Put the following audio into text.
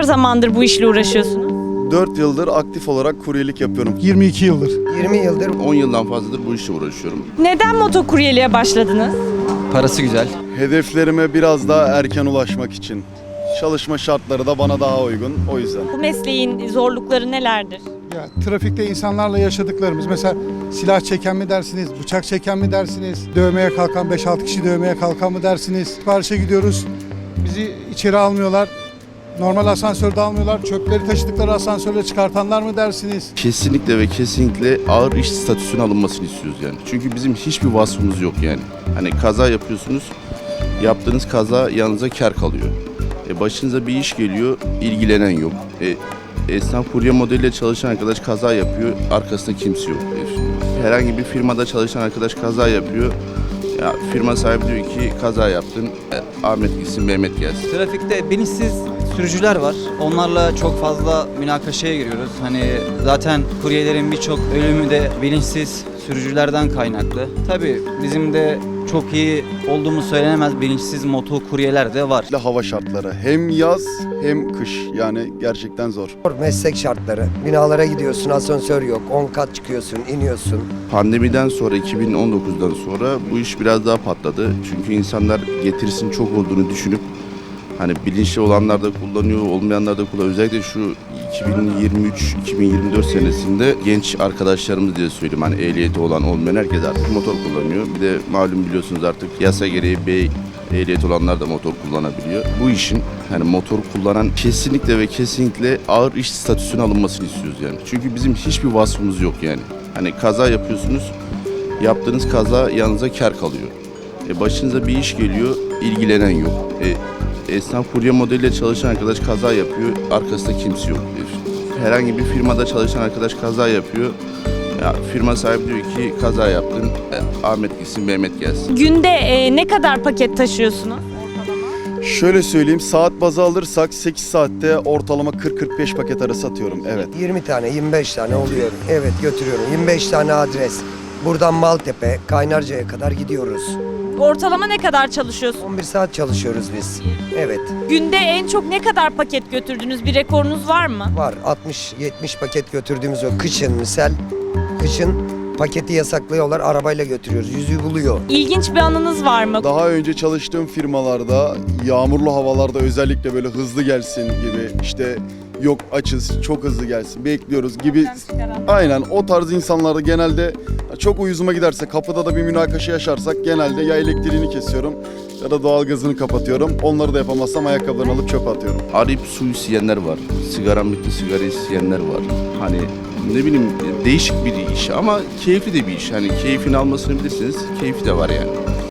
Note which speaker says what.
Speaker 1: zamandır bu işle uğraşıyorsunuz?
Speaker 2: 4 yıldır aktif olarak kuryelik yapıyorum.
Speaker 3: 22 yıldır.
Speaker 4: 20 yıldır
Speaker 5: 10 yıldan fazladır bu işle uğraşıyorum.
Speaker 1: Neden motokuryeliğe başladınız?
Speaker 6: Parası güzel.
Speaker 2: Hedeflerime biraz daha erken ulaşmak için. Çalışma şartları da bana daha uygun, o yüzden.
Speaker 1: Bu mesleğin zorlukları nelerdir?
Speaker 3: Ya, trafikte insanlarla yaşadıklarımız, mesela silah çeken mi dersiniz, bıçak çeken mi dersiniz, dövmeye kalkan 5-6 kişi dövmeye kalkan mı dersiniz? Siparişe gidiyoruz, bizi içeri almıyorlar. Normal asansörde almıyorlar, çöpleri taşıdıkları asansörle çıkartanlar mı dersiniz?
Speaker 5: Kesinlikle ve kesinlikle ağır iş statüsüne alınmasını istiyoruz yani. Çünkü bizim hiçbir vasfımız yok yani. Hani kaza yapıyorsunuz, yaptığınız kaza yanınıza kar kalıyor. Başınıza bir iş geliyor, ilgilenen yok. Esnaf kurye modeliyle çalışan arkadaş kaza yapıyor, arkasında kimse yok. Herhangi bir firmada çalışan arkadaş kaza yapıyor. Ya firma sahibi diyor ki kaza yaptın, Ahmet gitsin, Mehmet gelsin.
Speaker 6: Trafikte bilinçsiz sürücüler var. Onlarla çok fazla münakaşaya giriyoruz. Hani zaten kuryelerin birçok ölümü de bilinçsiz sürücülerden kaynaklı. Tabii bizim de çok iyi olduğumuz söylenemez bilinçsiz motokuryeler de var.
Speaker 2: Hava şartları hem yaz hem kış, yani gerçekten zor.
Speaker 4: meslek şartları. Binalara gidiyorsun, asansör yok. 10 kat çıkıyorsun, iniyorsun.
Speaker 5: Pandemiden sonra, 2019'dan sonra bu iş biraz daha patladı. Çünkü insanlar getirisinin çok olduğunu düşünüp hani bilinçli olanlar da kullanıyor, olmayanlar da kullanıyor. Özellikle şu 2023-2024 senesinde genç arkadaşlarımız diye söyleyeyim. Hani ehliyeti olan olmayan herkes artık motor kullanıyor. Bir de malum biliyorsunuz artık yasa gereği ehliyet olanlar da motor kullanabiliyor. Bu işin hani motor kullanan kesinlikle ve kesinlikle ağır iş statüsüne alınmasını istiyoruz yani. Çünkü bizim hiçbir vasfımız yok yani. Hani kaza yapıyorsunuz, yaptığınız kaza yanınıza kar kalıyor. Başınıza bir iş geliyor, ilgilenen yok. Esnaf kurye modeliyle çalışan arkadaş kaza yapıyor, arkasında kimse yok. Herhangi bir firmada çalışan arkadaş kaza yapıyor. Ya firma sahibi diyor ki kaza yaptın, Ahmet gitsin, Mehmet gelsin.
Speaker 1: Günde ne kadar paket taşıyorsunuz?
Speaker 2: Şöyle söyleyeyim, saat bazı alırsak 8 saatte ortalama 40-45 paket arası atıyorum, evet.
Speaker 4: 20 tane, 25 tane oluyor. Evet, götürüyorum. 25 tane adres. Buradan Maltepe, Kaynarca'ya kadar gidiyoruz.
Speaker 1: Ortalama ne kadar çalışıyorsunuz?
Speaker 4: 11 saat çalışıyoruz biz. Evet,
Speaker 1: Günde en çok ne kadar paket götürdünüz? Bir rekorunuz var mı?
Speaker 4: var. 60-70 paket götürdüğümüz o. Kışın misal, kışın paketi yasaklıyorlar, arabayla götürüyoruz. Yüzü buluyor.
Speaker 1: İlginç bir anınız var mı?
Speaker 2: Daha önce çalıştığım firmalarda yağmurlu havalarda özellikle böyle hızlı gelsin gibi, işte yok açız çok hızlı gelsin bekliyoruz gibi, aynen o tarz insanlarda genelde çok uyuzuma giderse, kapıda da bir münakaşa yaşarsak genelde ya elektriğini kesiyorum ya da doğalgazını kapatıyorum. Onları da yapamazsam ayakkabılarını alıp çöpe atıyorum.
Speaker 5: Arayıp su isteyenler var, sigaram bitti sigara isteyenler var. Hani ne bileyim değişik bir iş ama keyifli de bir iş. Hani keyfini almasını bilirseniz keyfi de var yani.